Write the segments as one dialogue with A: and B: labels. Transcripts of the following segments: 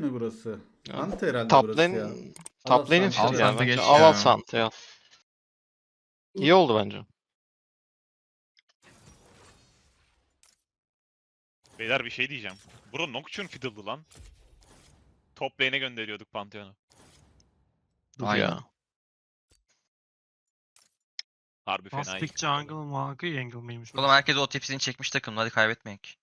A: mi burası?
B: Ya,
A: Ante herhalde
B: Top
A: burası ya.
B: lane, top lane'in
A: Sante
B: fiddle
A: ya.
B: ya
C: Sante
B: bence.
C: geç
B: Al
C: ya.
B: al Sante ya. İyi oldu bence.
D: Beyler bir şey diyeceğim. Bro Nocturne fiddle'dı lan. Top lane'e gönderiyorduk Pantheon'u.
B: Dur
C: Aynen.
B: ya.
D: Harbi fena
E: Bastik
D: ilk.
E: jungle mı? Jungle mıymış?
C: Oğlum herkes o tepsini çekmiş takımda, hadi kaybetmeyek.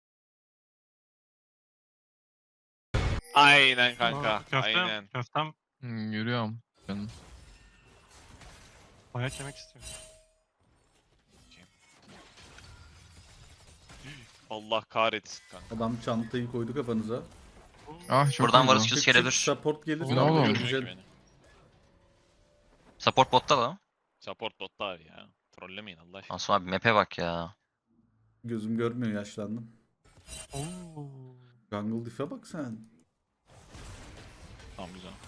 D: Aynen kanka.
E: Köftem.
D: Aynen.
E: Köftem.
C: Yürüyorum. Canım.
E: Bayağı yemek istiyorum.
D: Allah kahretsin kanka.
A: Adam çantayı koydu kafanıza.
C: Ah çok Buradan iyi bu. varız
A: Çık
C: Q'su
A: çık
C: gelebilir.
A: support gelir.
E: Ne
A: Support
C: oğlum?
D: Görmüyor
A: güzel.
D: ki beni.
C: Support botta da.
D: Support botta abi ya. Trollemeyin Allah aşkına.
C: Asım abi map'e bak ya.
A: Gözüm görmüyor, yaşlandım.
E: Oo.
A: Jungle diff'e bak sen.
D: Tamam güzel.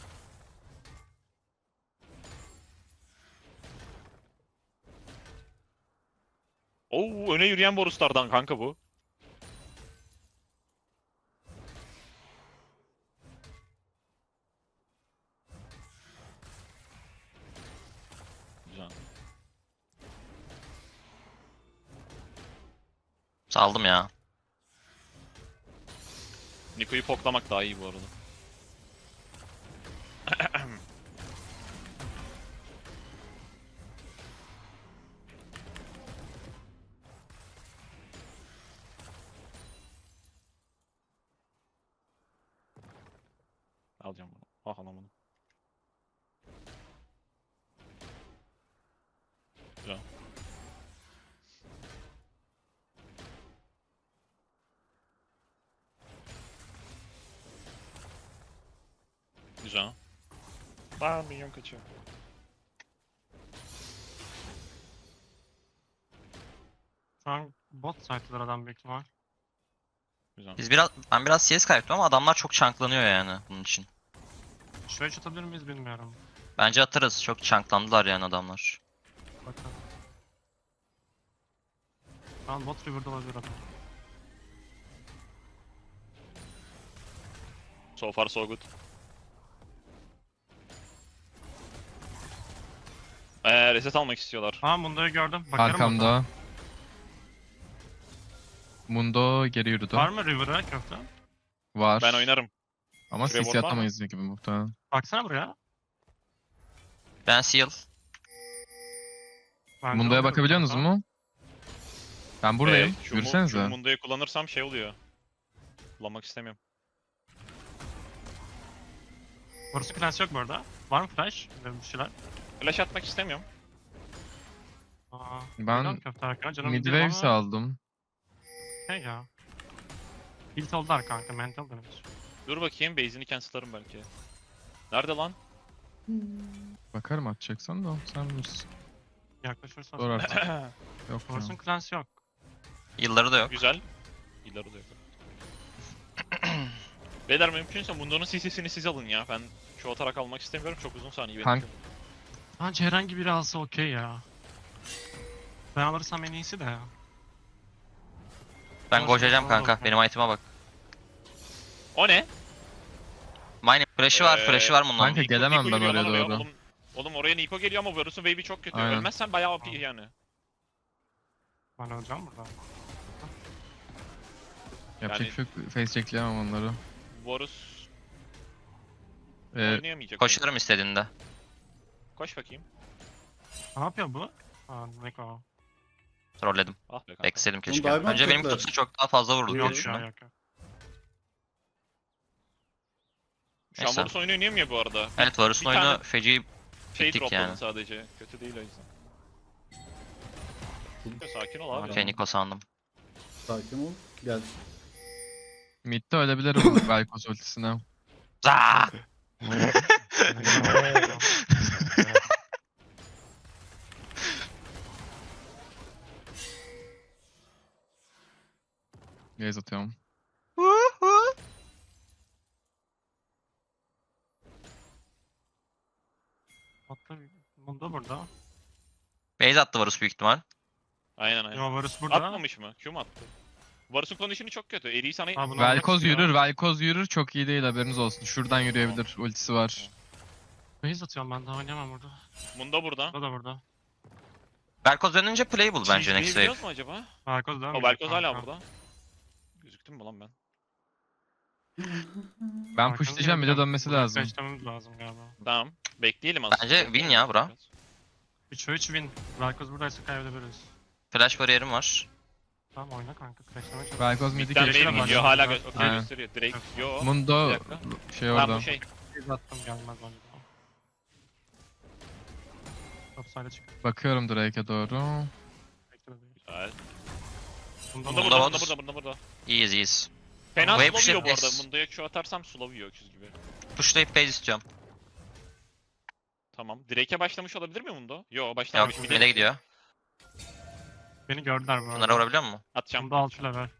D: Oo öne yürüyen Boruslardan kanka bu. Güzel.
C: Saldım ya.
D: Niko'yu poklamak daha iyi bu arada. Alacağım bunu. Ah alamadım. Güzel. Güzel. Aa minyon kaçıyor.
E: Şu an bot site'lar adam büyük ihtimal.
D: Güzel.
C: Ben biraz CS kaybettim ama adamlar çok chunklanıyor yani bunun için.
E: Şuraya çatabilir miyiz bilmiyorum.
C: Bence atarız. Çok chunklandılar yani adamlar.
E: Bakalım. Şu an bot river'da olabilir adam.
D: So far so good. Reset almak istiyorlar.
E: Aa Mundo'yu gördüm. Bakarım bota.
F: Arkamda. Mundo geri yürüdü.
E: Var mı river'a köfte?
F: Var.
D: Ben oynarım.
F: Ama
D: Şuraya
F: CC
D: ward var mı?
F: atamayız gibi muhtemelen.
E: Baksana buraya.
C: Ben seal.
E: Bence
F: Mundo'ya
E: olur
F: bakabiliyorsunuz
E: kanka.
F: mu? Ben buradayım.
D: Şu
F: Yürüsenize.
D: Mundo'yu kullanırsam şey oluyor. Kullanmak istemiyorum.
E: Burası flash yok bu arada. Var mı flash? Bir şeyler.
D: Flash atmak istemiyorum.
E: Aa,
F: Ben
E: bilmiyorum köfte arka. Canım
F: Midwaves aldım.
E: Şey ya. Build oldular kanka. Mental damage.
D: Dur bakayım base'ini cancel'larım belki. Nerede lan?
F: Bakarım atacaksan da sen bilirsin.
E: Yaklaşırsa.
F: Zor artık. Yok
E: Burasının
F: ya.
E: clans yok.
C: Yılları da yok.
D: Güzel. Yılları da yok. Beyler mümkünse Mundo'nun CC'sini siz alın ya. Ben şu atarak almak istemiyorum. Çok uzun saniye benim
F: Kank-
D: için.
E: Bence herhangi biri alsa okey ya. Ben alırsam en iyisi de ya.
C: Ben
E: Olsun,
C: koşacağım
E: alalım
C: kanka.
E: kanka.
C: Benim item'a bak.
D: O ne?
C: Mine flash'ı var. Flash'ı var bunun.
F: Kanka, gelemem
D: Niko
F: ben
D: yürüyor
F: oraya
D: lan oraya.
F: doğru.
D: Oğlum oraya Niko geliyor ama Varus'un wave'i çok kötü.
F: Aynen.
D: Ölmezsen bayağı OP
E: Tamam.
D: yani.
E: Ben alacağım burada.
F: Yapacak
D: Yani-
F: bir şey yok. Face checkleyemem onları.
D: Varus
F: Ee,
D: oynayamayacak.
C: Koşarım istediğinde.
D: Koş bakayım.
E: Ne yapıyor bu? Aa Neko.
C: Trolledim.
D: Ah be kanka.
C: Bekledim keşke.
A: diamond
C: Önce benim
A: tekler.
C: kutusu çok daha fazla vurdu diye
E: Yok ya
C: düşündüm.
E: yok ya.
D: Şu an
C: Neyse.
D: Varus oyunu oynayamıyor bu arada.
C: Evet Varus'un
D: Bir tane
C: oyunu feci.
D: Şey
C: bittik
D: dropladı
C: yani.
D: sadece. Kötü değil o yüzden. Sakin ol abi.
C: Okey Niko sandım.
A: Sakin ol. Gel.
F: mid'de ölebilirim Velkos ultisine.
C: Zaa!
F: Gaze atıyorum.
E: Hatta Mundo burada.
C: Base attı Varus büyük ihtimal.
D: Aynen aynen.
E: Yo Varus burada.
D: Atmamış mı? Q mu attı? Varus'un kondisyonu çok kötü. Eri'yi sana...
E: Aa, bunu
F: Velkoz
E: almak istiyor.
F: yürür, Velkoz yürür. Çok iyi değil, haberiniz olsun. Şuradan yürüyebilir. Ultisi var.
E: Base atıyorum ben, daha oynayamam burada.
D: Mundo burada.
E: Burada da burada.
C: Velkoz dönünce playable bence
D: Cheese'yi
C: next wave.
D: biliyoruz mu acaba?
E: Velkoz devam
D: O
E: ediyor
D: Velkoz hala
E: kanka.
D: burada. Gözüktüm mü lan ben?
F: Ben
E: Velkoz'un
F: pushlayacağım, bir de
E: yanında
F: dönmesi
E: buraya
F: lazım.
E: flashlamamız lazım galiba.
D: Tamam. Bekleyelim aslında.
C: Bence win ya bura.
E: 3 ve 3 win. Velkoz buradaysa kaybedebiliriz.
C: Flash bariyerim var.
E: Tamam oyna kanka. Crash'lamaya çalış.
F: Velkoz midi
D: Mid'den
E: Flash'e
D: main
E: bak.
D: gidiyor hala
E: Aynen.
D: okey gösteriyor. Drake yo. Bir
F: Mundo
D: dakika.
F: şey
D: Tamam
F: orada.
D: bu şey.
E: Base attım gelmez bence. Top side'e çık.
F: Bakıyorum Drake'e doğru.
E: Bekle bebeğim.
D: Güzel.
E: Bunda
D: Bunda
C: Bunda
D: burada,
C: var.
D: bunda burada, bunda burada.
C: İyiyiz iyiyiz.
D: Fena
C: Wave
D: slow yiyor bu
C: shift
D: arada.
C: is-
D: Mundo'ya Q atarsam slow yiyor öküz gibi.
C: Pushlayıp base istiyorum.
D: Tamam. Drake'e başlamış olabilir mi Mundo? Yo
C: Yok
D: başlamamış.
C: mid'e gidiyor.
E: Beni gördüler bu arada.
C: Bunlara vurabiliyor musun?
D: Atacağım.
E: Bunda 6 level.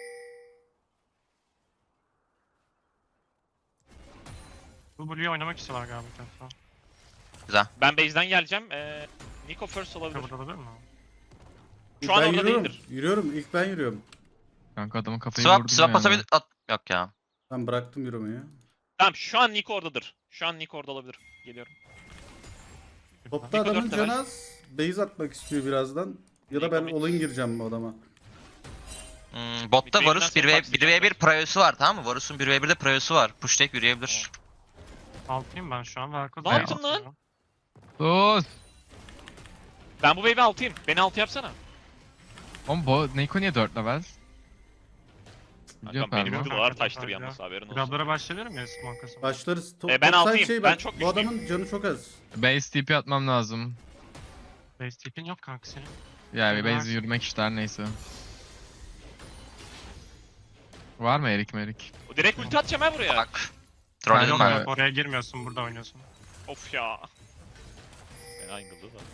E: Bu Blue'yu oynamak istiyorlar galiba bir defa.
D: Ben base'den geleceğim. Nico first
E: Ya
D: olabilir.
E: burada olabilir mi?
D: Şu an
A: Ben
D: orada
A: yürüyorum.
D: değildir.
A: Yürüyorum. İlk ben yürüyorum.
F: Kanka adamın kafayı
C: Swap,
F: vurdum
C: swap
F: yani.
C: atabilir. Yok ya.
A: Ben bıraktım yürümeyi.
D: Tamam şu an Nico oradadır. Şu an Nico orada olabilir. Geliyorum.
A: Topta
D: Nico
A: adamın
D: dört level.
A: canı az. Base atmak istiyor birazdan. Ya da
D: Nico
A: ben
D: mid.
A: all-in gireceğim bu adama.
C: Botta
D: Bir
C: Varus
D: wave'den sonra
C: 1v1 Prio'su var tamam mı? Varus'un 1v1'de Prio'su var. Pushlayıp yürüyebilir.
E: Altıyım ben şu an. Velkoz
D: Ne
E: base
D: yaptın lan?
E: atıyor.
F: Sus!
D: Ben bu wave'i altıyım. Beni altı yapsana.
F: Oğlum bu Neiko niye 4 level? Biliyor
D: Kankam benim
F: galiba.
E: Kanka,
D: videolar taştır
E: kanka.
D: yalnız haberin olsun.
E: Grablara başlayabilirim ya Smoke'ası.
A: Başlarız.
D: Ben
A: top side
D: altıyım.
A: Şey
D: Ben
A: bak,
D: çok
A: bu
D: güçlüyüm.
A: adamın canı çok az.
F: Base TP atmam lazım.
E: Base tipin yok kanka senin.
F: Yani
E: Var.
F: base yürümek işte her neyse. Var mı Erik merik?
D: O direkt ulti atacağım ha buraya.
C: Bak.
E: Ha,
C: Trolledim
E: yok,
C: ben.
F: ben.
E: yok, oraya girmiyorsun, burada oynuyorsun.
D: Of ya. Fena angle'dı da.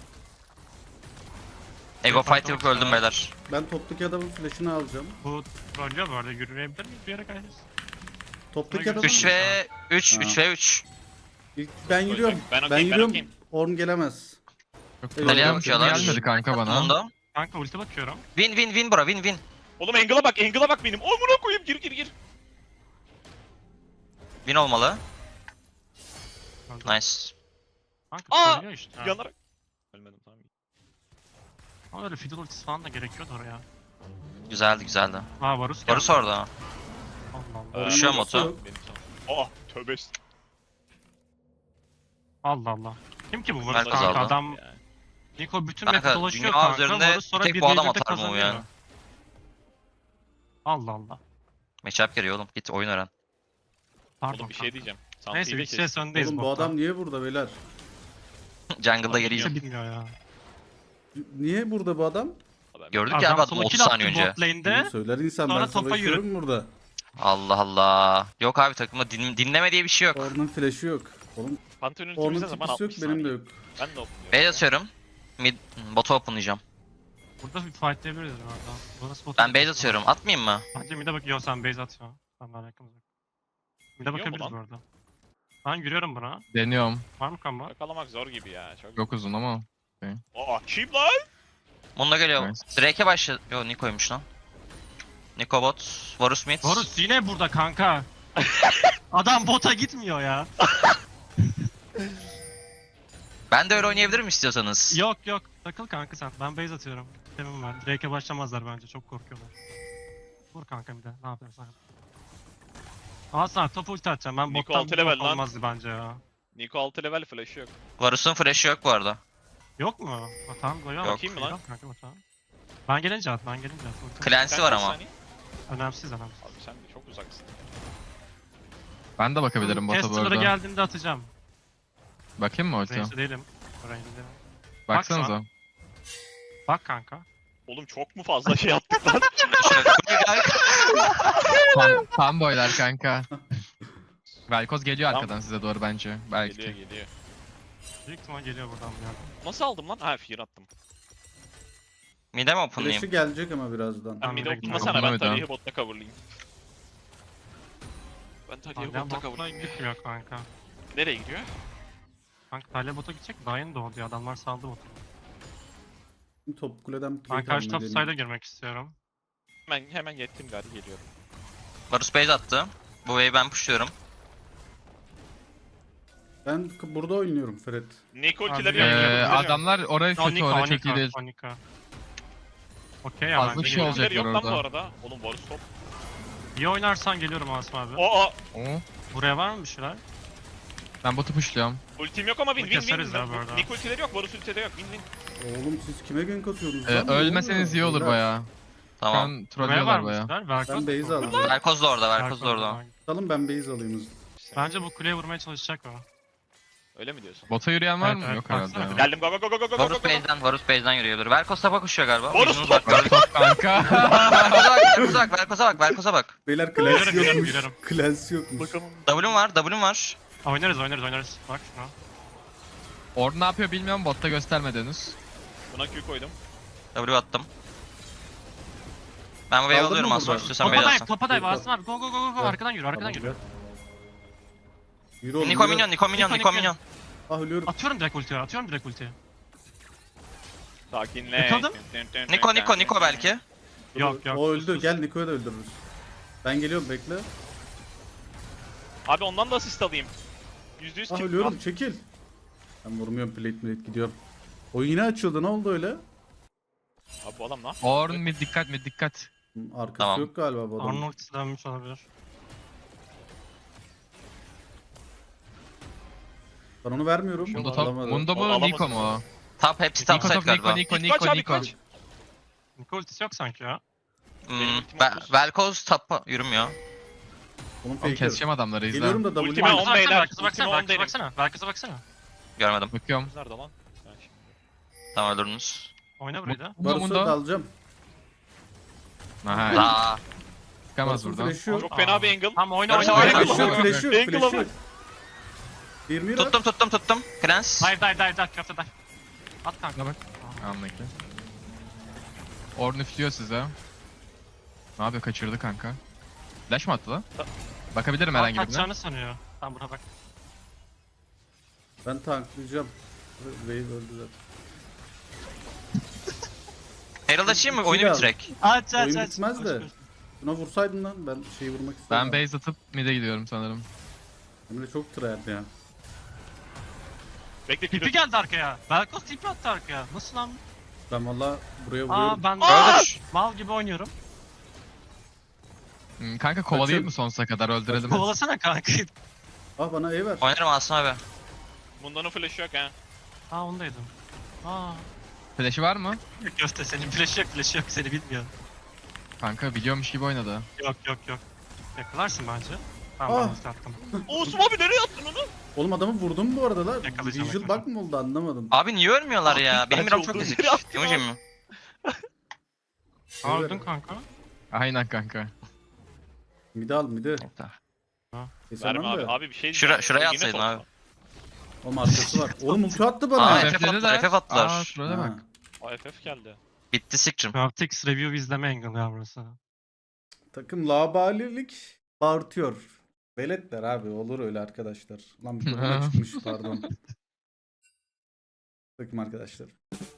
C: Ego fight yapıp öldüm beyler.
A: Ben toptaki adamın flash'ını alacağım.
E: Bu trollüyor bu arada, yürüyebilir miyiz bir yere kaydırız?
A: Toptaki
E: Üç
A: adamın...
C: 3 ve 3,
A: Ha.
C: 3 ve 3.
A: İlk ben yürüyorum.
D: Ben
A: Ben
D: okeyim, ben
A: yürüyorum.
D: okeyim.
A: Orm gelemez.
F: Çok
A: Deli
F: problem
C: yapıyorlar.
F: gelmedi kanka bana.
C: Mundo.
E: Kanka ulti bakıyorum.
C: Win bro win.
D: Oğlum angle'a bak, angle'a bak benim. Amına koyayım, gir.
C: Win olmalı.
E: Öldü.
C: Nice.
E: Kanka
D: Aa!
E: trollüyor işte. Ya.
D: Yanarak. Ölmedim tamam.
E: Ama öyle fiddle ultisi falan da gerekiyordu oraya.
C: Güzeldi.
E: Aa Varus geldi.
C: Varus orada.
E: Allah Allah.
C: Düşüyor
A: Orm'un
C: moto.
A: yok.
D: Benim tamam. Oh, tövbe
E: Allah Allah. Kim ki bu Varus
C: Merkez
E: kanka?
C: aldı.
E: Adam
D: Yani.
E: Nico bütün
C: Kanka,
E: map dolaşıyor
C: dünya
E: kanka.
C: üzerinde
E: Varus sonra
C: tek
E: bir
C: bu adam
E: wave'de
C: atar mı bu
E: kazanıyor.
C: yani?
E: Allah Allah.
C: Matchup geliyor oğlum. Git oyun öğren.
E: Pardon
D: Oğlum bir şey
E: kanka.
D: diyeceğim.
E: Neyse
D: Santi'yi de
E: 3
D: kes.
E: CS öndeyiz
A: Oğlum bu
E: botta.
A: adam niye burada beyler?
C: Jungle'da geleyim.
E: Kimse bilmiyor ya.
A: Niye burada bu adam?
C: Gördük ya abi adamı
E: solo
C: 30
E: kill attı
C: saniye önce.
E: bot lane'de.
A: Bunu söyler insan,
E: sonra
A: ben
E: topa
A: savaşıyorum burada.
C: Allah Allah. Yok abi takımda dinleme diye bir şey yok.
A: Orm'un flash'ı yok. Oğlum
D: Pantheon'un
A: Orm'un
D: ultimizde zaman
A: tipisi
D: 60
A: yok, benim de
D: saniye.
A: yok.
D: Ben de okumuyorum.
C: Base atıyorum. Bot'u openlayacağım.
E: Burada bir fightlayabiliriz bu arada. Bana spot
C: Ben base atıyorum. Atmayayım mı?
E: Bence mid'e bak. Yo sen base at ya. Sen daha yakın uzak. Mid'e
D: Yiyor mu
E: bakabiliriz
D: lan?
E: bu arada. Ben yürüyorum buna.
F: Deniyorum.
E: Var mı combo?
D: Yakalamak zor gibi ya. Çok.
F: Çok uzun ama.
D: Aa, kim lan?
C: Mundo geliyor.
F: Nice.
C: Drake'e başladı. Yo Niko'ymuş lan. Niko bot. Varus mid.
E: Varus yine burada kanka. Adam bota gitmiyor ya.
C: Ben de öyle oynayabilirim istiyorsanız.
E: Yok yok. Takıl kanka sen. Ben base atıyorum. Temim var. Drake'e başlamazlar bence. Çok korkuyorlar. Vur kanka bir de. Ne yapıyorsun? Aa sana top ulti atacağım. Ben
D: Nico
E: bottan
D: altı
E: bir
D: level
E: bot
D: lan.
E: olmazdı bence ya.
D: Nico 6 level flash'ı yok.
C: Varus'un flash'ı yok bu arada.
E: Yok mu? Ha, tamam koyuyor.
C: Yok.
D: Bakayım mı lan?
E: Kanka bota. Ben gelince at. Ulti.
C: Clancy
D: Sen
C: var
D: kaç
C: ama.
D: saniye?
E: Önemsiz.
D: Abi sen de çok uzaksın.
F: Ben de bakabilirim bota bu
E: Tester'lara
F: arada.
E: geldiğinde atacağım.
F: Bakayım mı ulti?
E: Range'de değilim. Range'de değilim.
F: Baksanıza.
E: Bak kanka.
D: Oğlum çok mu fazla şey yaptık lan?
F: Fanboylar kanka. Velkoz geliyor
D: Tamam.
F: arkadan size doğru bence. Belki.
D: Geliyor.
E: Büyük ihtimal geliyor buradan bir yerden.
D: Nasıl aldım lan? Ha fear attım.
C: Mid'e mi openlayayım?
A: Flash'ı gelecek ama birazdan.
D: Ben
E: Tamam,
D: mid'e
E: direkt
D: okunmasana ben
F: tamam.
D: tarihi botta coverlayayım. Ben tarihi
E: Talya
D: botta
E: botla
D: coverlayayım.
E: gitmiyor kanka.
D: Nereye gidiyor?
E: Kanka Talya bota gidecek. Daha yeni doğdu ya. Adamlar saldı botu.
A: Top kuleden
E: Ben
A: plate
E: karşı top
A: almayı
E: side'a
A: deneyeyim.
E: girmek istiyorum.
D: Hemen yettim gari geliyorum.
C: Varus base attı. Bu wave'i ben pushluyorum.
A: Ben burada oynuyorum Fred.
D: Nico
E: Abi,
D: ultileri
E: Ee,
F: Adamlar orayı kötü,
E: Onika,
F: orası çok
E: Onika,
F: iyi değil.
E: Onika. Okey ya
F: Fazla
E: bence
F: bir şey
E: geliyorum.
F: olacak.
D: Ultileri yok lan bu
F: orada.
D: arada. Oğlum Varus top.
E: İyi oynarsan geliyorum Asım abi.
D: Oo.
F: Oo.
E: Buraya var mı bir şeyler?
F: Ben botu pushluyorum.
D: Ultim yok ama
E: Bunu
D: win.
E: keseriz ya bu arada.
D: Nico ultileri yok, Varus ultileri yok. Win.
A: Oğlum siz kime gank atıyorsunuz lan? Ne
F: Ölmeseniz iyi
A: oluyor?
F: olur
A: Beyler,
F: baya. Şu
C: Tamam.
F: an
E: Buraya var
F: trollüyorlar
E: mı bir
F: baya.
E: şeyler? Velkoz
A: Ben base
E: mu?
A: alayım.
C: Velkoz da orada, Velkoz da
E: Velkoz
C: orada.
A: Salın ben base alayım hızlı.
E: Bence bu kuleye vurmaya çalışacak o.
D: Öyle mi diyorsun?
F: Bota yürüyen var
E: Evet,
F: mı?
E: evet,
F: Yok herhalde
E: baksana.
F: ya.
D: Geldim go go go go go go
C: Varus
D: go go.
C: base'den yürüyebilir. Velkoz tapa koşuyor galiba.
D: Varus
C: Ucunuz
D: top!
C: bak,
F: Top kanka.
C: Velkoz'a bak.
A: Beyler
E: Yürüyorum,
A: clans
E: yürüyorum,
A: yokmuş.
E: yürüyorum.
A: Clans yokmuş.
D: Bakalım.
C: W'm var.
E: Oynarız. Bak şuna.
F: Orada ne yapıyor bilmiyorum, botta göstermedi henüz.
D: Buna Q koydum.
C: W attım. Ben bu wave
A: Aldın
C: alıyorum
A: mı
C: aslında
A: burada?
C: istiyorsan base
E: Topa dive,
C: alsın.
E: topa dive
A: Yok,
E: Asım abi. Go go go go.
A: Evet.
E: Arkadan yürü, arkadan
A: Tamam,
E: yürü.
A: gel. Yürü oğlum,
C: Niko
A: yürü.
C: minyon, Niko
E: Niko.
C: minyon.
A: Ah ölüyorum.
E: Atıyorum direkt ultiye.
D: Sakinle.
E: Yakaladım.
C: Niko belki.
E: Yok.
A: O öldü. Gel Niko'yu da öldürürüz. Ben geliyorum bekle.
D: Abi ondan da asist alayım. %100
A: Ah
D: kim?
A: ölüyorum çekil. Ben vurmuyorum plate gidiyorum. Oyun yine açıldı ne oldu öyle?
D: Abi bu adam lan.
F: Orn mid dikkat.
A: Arkası
C: Tamam.
A: yok galiba bu adamın.
E: Arnold dönmüş olabilir.
A: Ben onu vermiyorum.
F: Mundo top.
A: Alamadı.
F: Mundo mu
D: Alamaz.
F: Niko mu?
C: Top hepsi
F: Niko
C: top side
F: top
C: galiba.
D: Kaç abi
F: Niko.
D: kaç?
E: Niko ultisi yok sanki ya.
D: Benim ultim otuz.
C: Velkoz tapa yürümüyor.
A: Onun
F: Oğlum
A: faker.
F: keseceğim adamları izle.
A: Geliyorum da W.
D: Ultime on beyler.
E: Velkoz'a
D: Ultime on
E: baksana.
D: derim.
E: Velkoz'a baksana.
C: Görmedim.
F: Bakıyorum.
D: Nerede lan? Ben şimdi-
C: Tamam öldürdünüz.
E: Oyna burayı da.
A: Varus'u da alacağım.
F: Aha,
C: Daha.
F: çıkamaz
A: Varus'un
F: buradan.
A: flash'ı yok.
D: Çok fena bir angle.
E: Tamam oyna.
C: Flash yok,
A: Flash yok,
F: Angle
A: flash yok,
D: Angle
A: flash
D: ama.
A: yok. 20 lira.
C: Tuttum. Clans.
E: Dive. Köfte dive. At kanka.
F: Bak. Anlık. Orn üflüyor size. Ne yapıyor? Kaçırdı kanka. Flash mı attı lan? Bakabilirim herhangi birine.
E: Kaçacağını sanıyor. Tamam buna bak.
A: Ben tanklayacağım. Wave öldü zaten.
C: Herald açayım mı?
A: İki
C: Oyunu
A: de al.
C: bitirek.
E: Aç.
A: Oyun bitmez de. Buna vursaydın lan ben şeyi vurmak
F: Ben
A: istedim.
F: base atıp mid'e gidiyorum sanırım.
A: Emre çok tryhard ya.
D: Bekle
E: Tipi
D: Kido.
E: geldi arkaya. Velkoz tipi attı arkaya. Nasıl lan?
A: Ben valla buraya vuruyorum.
E: Aa ben
C: Öldür.
E: mal gibi oynuyorum.
F: Kanka kovalayayım
A: Kaçın.
F: mı sonsuza kadar öldürelim.
E: Kovalasana kanka.
A: Ah bana E ver.
C: Oynarım aslında abi.
D: Bundan flash yok ha.
E: Aa ondaydım. Aa.
F: Flash'i var mı?
E: Köfte senin flash yok seni bilmiyor.
F: Kanka biliyormuş gibi oynadı.
E: Yok. Yakalarsın bence. Tamam ben
A: Ah.
E: ulti attım.
D: Osman abi nereye attın onu?
A: Oğlum adamı vurdum bu arada lan.
E: Yakalayacağım,
A: Visual bug mı oldu anlamadım.
C: Abi niye ölmüyorlar ya? Benim
D: Bence
C: miram çok
D: olduğunu
C: ezik.
D: yere attım
C: Yemeyeceğim mi?
E: Aa öldün kanka.
F: Aynen kanka.
A: Mide al mide. Kesemem
D: Verme abi.
A: de.
D: Abi bir şey
C: Şuraya
D: Yine
C: atsaydın
D: top.
C: abi.
A: Oğlum arkası var. Oğlum ulti attı bana.
C: Aa,
A: Ha.
C: FF attılar, FF attılar.
F: Aa şurada bak.
D: AFF geldi.
C: Bitti sikrim.
E: Craftix review izleme angle ya burası.
A: Takım labalilik bağırtıyor. Veletler abi olur öyle arkadaşlar. Lan bir çıkmış pardon. Takım arkadaşlar.